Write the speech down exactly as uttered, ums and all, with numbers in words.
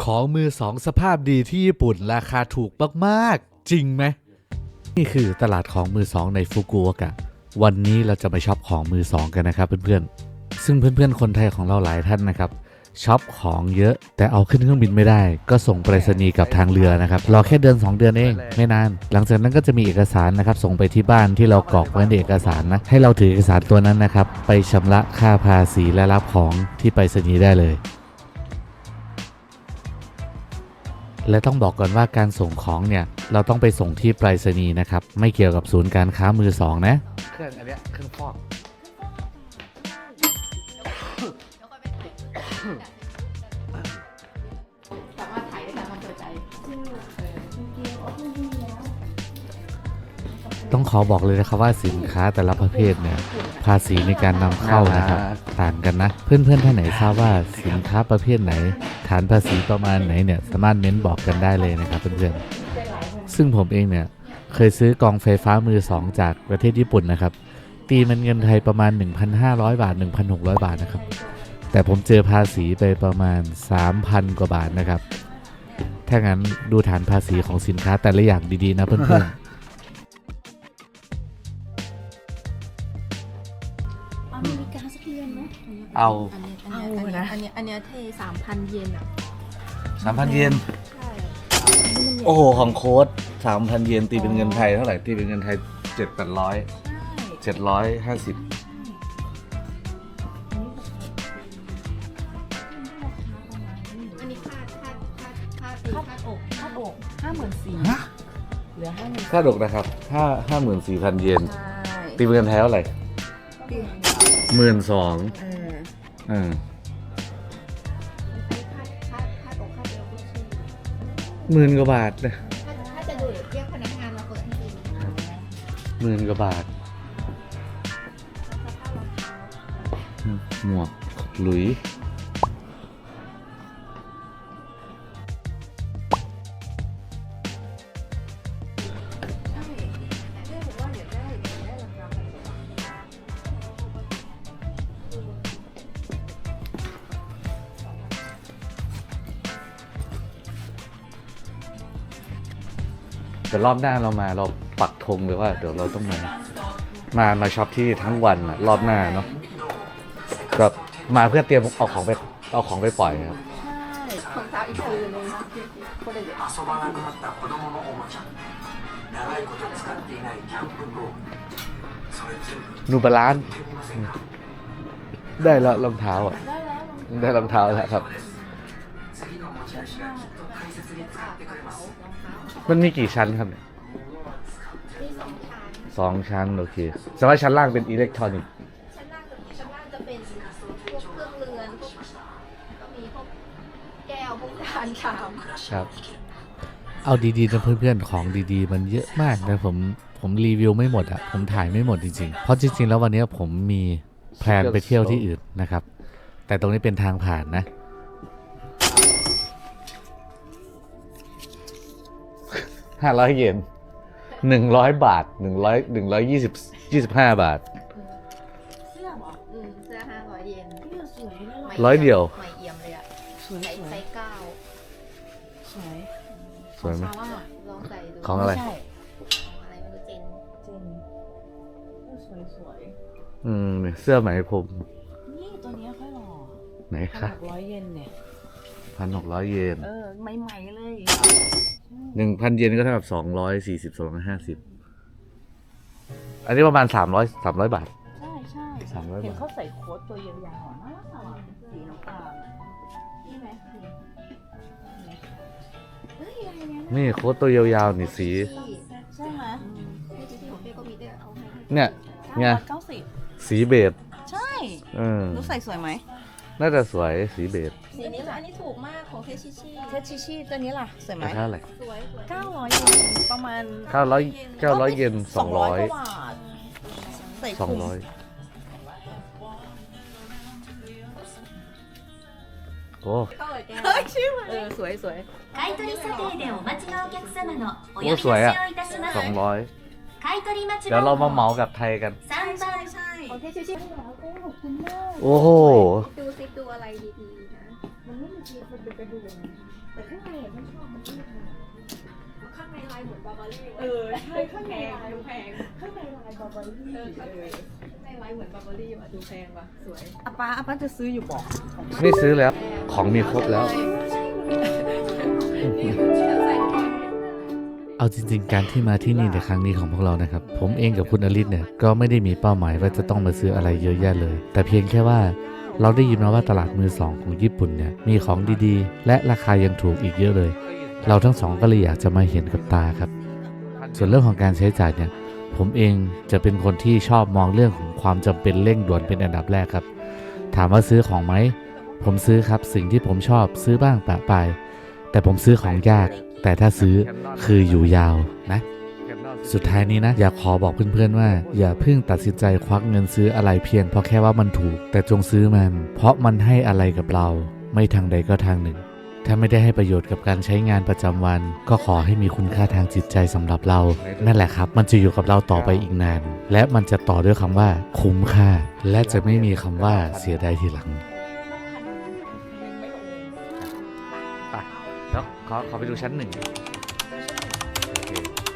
ของมือสองสภาพดีที่ญี่ปุ่นราคาถูกมากๆจริงไหมนี่คือตลาดของมือสองในฟุกุโอกะวันนี้เราจะไปช็อปของมือสองกันนะครับเพื่อนๆซึ่งเพื่อนๆคนไทยของเราหลายท่านนะครับช็อปของเยอะแต่เอาขึ้นเครื่องบินไม่ได้ก็ส่งไปรษณีย์กับทางเรือนะครับรอแค่เดือนสองเดือนเองไม่นานหลังจากนั้นก็จะมีเอกสารนะครับส่งไปที่บ้านที่เรากรอกไว้ในเอกสารนะให้เราถือเอกสารตัวนั้นนะครับไปชำระค่าภาษีและรับของที่ไปรษณีย์ได้เลยและต้องบอกก่อนว่าการส่งของเนี่ยเราต้องไปส่งที่ไปรษณีย์นะครับไม่เกี่ยวกับศูนย์การค้ามือสองนะเครื่องอันเนี้ยเครื่องฟอกสามารถถ่ายได้ตามความพอใจต้องขอบอกเลยนะครับว่าสินค้าแต่ละประเภทเนี่ยภาษีในการนำเข้านะครับต่างกันนะเพื่อนๆท่านไหนทราบว่าสินค้าประเภทไหนฐานภาษีประมาณไหนเนี่ยสามารถเม้นบอกกันได้เลยนะครับเพื่อนๆซึ่งผมเองเนี่ยเคยซื้อกองไฟฟ้ามือสองจากประเทศญี่ปุ่นนะครับตีมันเงินไทยประมาณ หนึ่งพันห้าร้อย บาท หนึ่งพันหกร้อย บาทนะครับแต่ผมเจอภาษีไปประมาณ สามพัน กว่าบาทนะครับถ้างั้นดูฐานภาษีของสินค้าแต่ละอย่างดีๆนะเพื่อนๆอเมริกาสักเยนเนาะเอาอันนี้อันนี้อันนี้อันนี้เทสามพันเยนอ่ะสามพัน เยนใช่โอ้โหของโค้ดสามพัน เยนตีเป็นเงินไทยเท่าไหร่ตีเป็นเงินไทยเจ็ดแปดร้อยเจ็ดร้อยห้าสิบอันนี้ค่าค่าค่าค่าตีค่าอกค่าอกห้าหมื่นสี่เหลือห้าหมื่นค่าดอกนะครับห้าห้าหมื่นสี่พันเยนใช่ตีเป็นเงินไทยเท่าไหร่หมื่นสองอืมหมื่นกว่าบาทนะถ้าจะดูเดี๋ยวเรียกพนักงานมาเปิดให้ดูหมื่นกว่าบาทหมวกหลุยเดี๋ยวรอบหน้าเรามาเราปักธงเลยว่าเดี๋ยวเราต้องมามามาช็อปที่ทั้งวันอะรอบหน้าเนาะแบบมาเพื่อเตรียมเอาของไปเอาของไปปล่อยครับใช่ของเท้าอีกคืนนึงคนละเดี๋ยวนูบาลานซ์ได้แล้วรองเท้าอ่ะได้รองเท้าแล้วครับมันมีกี่ชั้นครับเนี่ยมีสองชั้นสองชั้นโอเคแต่ว่าชั้นล่างเป็นอิเล็กทรอนิกส์ชั้นล่างกับชั้นล่างจะเป็นพวกเครื่องเรือนพวกก็มีพวกแก้วพวกจานชามครับเอาดีๆนะเพื่อนๆของดีๆมันเยอะมากนะผมผมรีวิวไม่หมดอะผมถ่ายไม่หมดจริงๆเพราะจริงๆแล้ววันนี้ผมมีแพลนไปเที่ยวที่อื่นนะครับแต่ตรงนี้เป็นทางผ่านนะห้าร้อยเยนหนึ่งร้อยบาทหนึ่งร้อยหนึ่งร้อยยี่สิบยี่สิบห้าบาทเสื้อเหรออืมเสื้อห้าร้อยเยนเสื้อสวยนะร้อยเดียวใหม่เอี่ยมเลยอะสวยไซส์เก้าสวยสวยไหมลองใส่ดูของอะไรของอะไรไม่รู้เจนเจนสวยสวยอืมเนี่ยเสื้อไหมพรมนี่ตัวนี้ค่อยหล่อไหนพันคะหกร้อยเยนเนี่ยพันหกร้อยเยนเออ ใหม่ๆเลยหนึ่งพันเยนก็เท่ากับสองร้อยสี่สิบสองร้อยห้าสิบอันนี้ประมาณสามร้อยสามร้อยบาทใช่ใช่สามร้อยบาทเห็นเขาใส่โค้ทตัวยาวๆน่ารักน่ารักสีน้ำตาลนี่ไหมสีเฮ้ยอะไรเนี่ยนี่โค้ดตัวยาวๆนี่สีใช่ไหมที่ที่ของเป้ก็มีด้วยเอาให้เนี่ยเนี่ยเก้าสิบสีเบจใช่เออรู้ใส่สวยไหมน่าจะสวยสีเบจสีนี้อันนี้ถูกมากของเทชิชิเทชิชิตัวนี้ล่ะ สวยไหมราคาเท่าไหร่สวยสวยเก้าร้อยเยนประมาณเก้าร้อยเก้าร้อยเยนสองร้อยกว่าบาทใส่สองถุงร้อยโอ้เข้าเลยแกเฮ้ยใช่ไหมเออสวยสวย買取査定でお待ちのお客様のお呼びโอ้出しสวยอ่ะをいたしまสすองร้อย買取待ちเดี๋ยวเรามาเหมา番号กับไทยกันさんばんใช่ของเทชิชิขอบคุณมากโอ้โหดูซิดูอะไรดีๆนะมันไม่มีทีมันเป็นกระดูกเอแต่ข้างในอ่ะฉันชอบมันที่ค่ะข้างในลายเหมือนบาบารี่เออใช่ข้างในลายดูแพงข้างในลายบาร์บารี่เออข้างในข้างในลายเหมือนบาบารี่ว่ะดูแพงว่ะสวยอาป้าอาป้าจะซื้ออยู่บอกไม่ซื้อแล้ว ของมีครบแล้ว เอาจริงๆ การที่มาที่นี่ในครั้งนี้ของพวกเรานะครับ ผมเองกับคุณอลิศเนี่ยก็ไม่ได้มีเป้าหมายว่าจะต้องมาซื้ออะไรเยอะแยะเลย แต่เพียงแค่ว่าเราได้ยินมาว่าตลาดมือสองของญี่ปุ่นเนี่ยมีของดีๆ และราคายังถูกอีกเยอะเลย เราทั้งสองก็เลยอยากจะมาเห็นกับตาครับ ส่วนเรื่องของการใช้จ่ายเนี่ยผมเองจะเป็นคนที่ชอบมองเรื่องของความจำเป็นเร่งด่วนเป็นอันดับแรกครับ ถามว่าซื้อของไหมผมซื้อครับสิ่งที่ผมชอบซื้อบ้างปะปายแต่ผมซื้อของยาก แต่ถ้าซื้อคืออยู่ยาวนะ สุดท้ายนี้นะอยากขอบอกเพื่อนๆว่าอย่าเพิ่งตัดสินใจควักเงินซื้ออะไรเพียงเพราะแค่ว่ามันถูก แต่จงซื้อมันเพราะมันให้อะไรกับเราไม่ทางใดก็ทางหนึ่ง ถ้าไม่ได้ให้ประโยชน์กับการใช้งานประจำวัน ก็ขอให้มีคุณค่าทางจิตใจสำหรับเรา นั่นแหละครับมันจะอยู่กับเราต่อไปอีกนาน และมันจะต่อด้วยคำว่าคุ้มค่า และจะไม่มีคำว่าเสียดายทีหลังไปแล้วขอขอไปดูชั้นหนึ่งโอเค